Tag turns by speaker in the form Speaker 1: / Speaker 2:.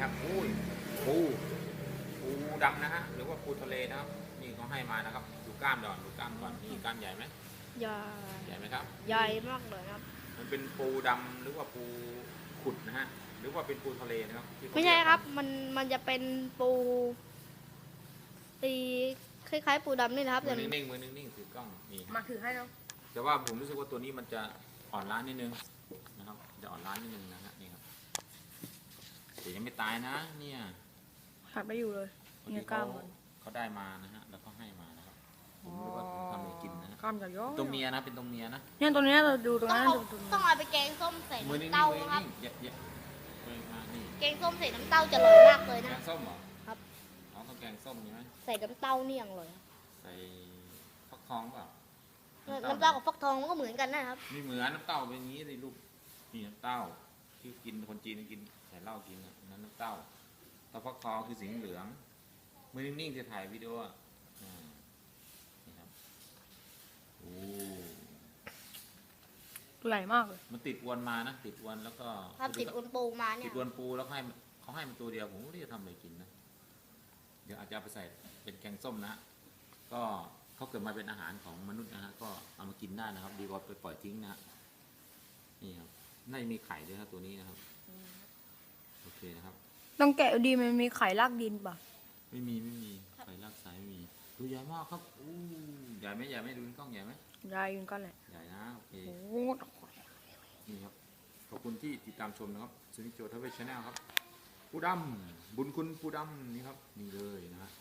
Speaker 1: ครับอุ้ยปูดำนะฮะหรือว่าปูทะเลนะครับนี่เขาให้มานะครับดูกล้ามก่อนดูกล้ามก่อนนี่กล้ามใหญ่ไหม
Speaker 2: ใหญ่
Speaker 1: ใหญ่ไหมครับ
Speaker 2: ใหญ่มากเลยครับ
Speaker 1: มันเป็นปูดำหรือว่าปูขุดนะฮะหรือว่าเป็นปูทะเลนะครับที่เขา
Speaker 2: ไม่ใช่ครับ
Speaker 1: เยก
Speaker 2: มันจะเป็นปูตีคล้ายๆปูดำนี่นะครับ
Speaker 1: มื
Speaker 2: แต่
Speaker 1: อนิ่งๆมือนิ่งๆถือกล้องนี่
Speaker 3: มาถือให้แล้ว
Speaker 1: แต่ว่าผมรู้สึกว่าตัวนี้มันจะอ่อนล้านิดนึงนะครับจะอ่อนล้านิดนึงนะฮะนี่ครับแต่ยังไม่ตายนะเนี่ย
Speaker 2: หักไปอยู่เลย
Speaker 1: คนที่เขาได้มานะฮะแล้วก็ให้มานะครับผมไม่รู้ว่าผมทำอะไรกินนะฮะ
Speaker 3: กล้ามใหญ่ย้อย
Speaker 1: ตัวเมียนะเป็นตัวเมียนะ
Speaker 3: เนี่ยตัวเนี้ยเราดูตรง
Speaker 2: ต้อง
Speaker 3: นั้น
Speaker 2: เอา
Speaker 3: ดูตรง
Speaker 2: ต้
Speaker 3: นั้
Speaker 2: อน งเอาไปแกงส้มใส่
Speaker 1: มือนิ่ง
Speaker 2: น้ำเต้า
Speaker 1: ๆมือ
Speaker 2: ครับ
Speaker 1: นิ่งๆอย่ามานี่
Speaker 2: แกงส้มใส่น้ำเต้าจะอร่อยมากเลย
Speaker 1: แก
Speaker 2: นะ
Speaker 1: งส้มเหรอ
Speaker 2: ครับ
Speaker 1: อ๋อต้องแกงส้มใช่ไหม
Speaker 2: ใส่น้ำเต้านี่อย่างอร่อยครับ
Speaker 1: ใส่ฟักทองเปล่า
Speaker 2: น้ำเต้ากับฟักทองมันก็เหมือนกันนะครับ
Speaker 1: ไม่เหมือนน้ำเต้าเป็นอย่างนี้เลยลูกนี่น้ำเต้าที่กินคนจีนกินใส่เหล้ากินนะนั่นน้ำเต้าแต่ฟักทองคือสีเหลืองมือนิ่งๆจะถ่ายวิดีโออ่ะนี่ครับโอ้
Speaker 3: ตัวใหญ่มากเลย
Speaker 1: มันติดอวนมานะติดอวนแล้วก็
Speaker 2: ถ้าติดอุนปูมาเนี่
Speaker 1: ติ
Speaker 2: ย
Speaker 1: ดอวนปูแล้วเขาให้มันตัวเดียวผมก็ไม่รู้จะทำอะไรกินนะเดี๋ยวอาจจะเอาไปใส่เป็นแกงส้มนะก็เขาเกิดมาเป็นอาหารของมนุษย์นะฮะก็เอามากินได้นะครับ ดีกว่าไปปล่อยทิ้งนะนี่ครับน่าจะมีไข่ด้วยครับตัวนี้นะครับโอเคนะครับ
Speaker 3: ต้องแกะดีมันมีไข่รากดินป่ะ
Speaker 1: ไม่มีไข่รากสายไม่มีตัวใหญ่มากครับอู้ใหญ่ไหมดูในกล้องใหญ่ไหม
Speaker 3: ใหญ่อยู่ก็แหละ
Speaker 1: ใหญ่นะโอเค
Speaker 3: โอ้โห
Speaker 1: นี่ครับขอบคุณที่ติดตามชมนะครับซูนิโจทเวชแนลครับปูดำบุญคุณปูดำนี่ครับนี่เลยนะฮะ